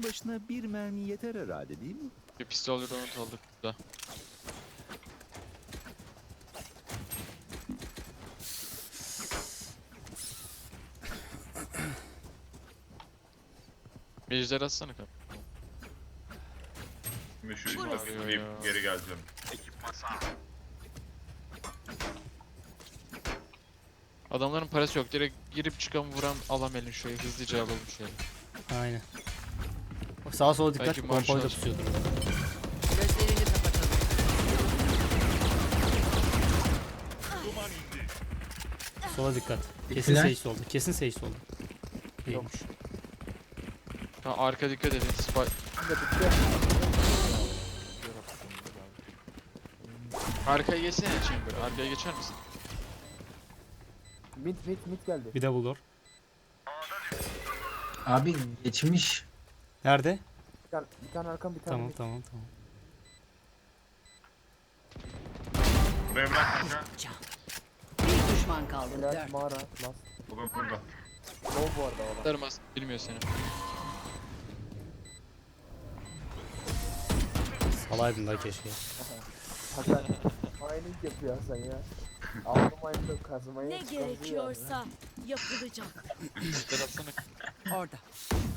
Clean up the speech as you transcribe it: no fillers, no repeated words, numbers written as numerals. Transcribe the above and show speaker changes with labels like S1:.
S1: başına bir mermi yeter herhalde değil mi?
S2: Bir pistol round aldık burada. Bir ejder atsana kanka.
S3: Şimdi şu
S2: Burası.
S3: izleyip geri geleceğim.
S2: Adamların parası yok. Direkt girip çıkan vuran alamelin şöyle hızlıca alalım şöyle.
S4: Aynen. Sağa sola dikkat.
S2: Belki
S4: Pompalı da
S2: marşal.
S4: pusuyordur.
S5: Gözlerini kapatalım.
S4: Sola dikkat. Kesin
S6: Diktiler.
S4: Sage soldu. Kesin Sage soldu. Değilmiş.
S2: Ha, arka dikkat edin. Arkaya geçsene Chamber. Arkaya geçer misin?
S7: Mid geldi.
S4: Bir de bulur.
S6: Abi geçmiş.
S4: Nerede?
S7: Bir tane arkam bir tane
S4: Tamam
S7: mid.
S4: tamam tamam.
S3: Buraya bırak kanka.
S5: Bir düşman kaldı.
S7: Helal
S5: Dört.
S7: mağara. Last.
S3: Bugün burada.
S7: Low bu arada o da.
S2: Darmaz. Bilmiyor seni.
S4: Salaydın da keşke.
S7: Hasan mining yapıyor Hasan ya. Aldım mine'da kazmayı.
S8: Ne gerekiyorsa yapılacak.
S2: Ejder atsana.
S5: Orada.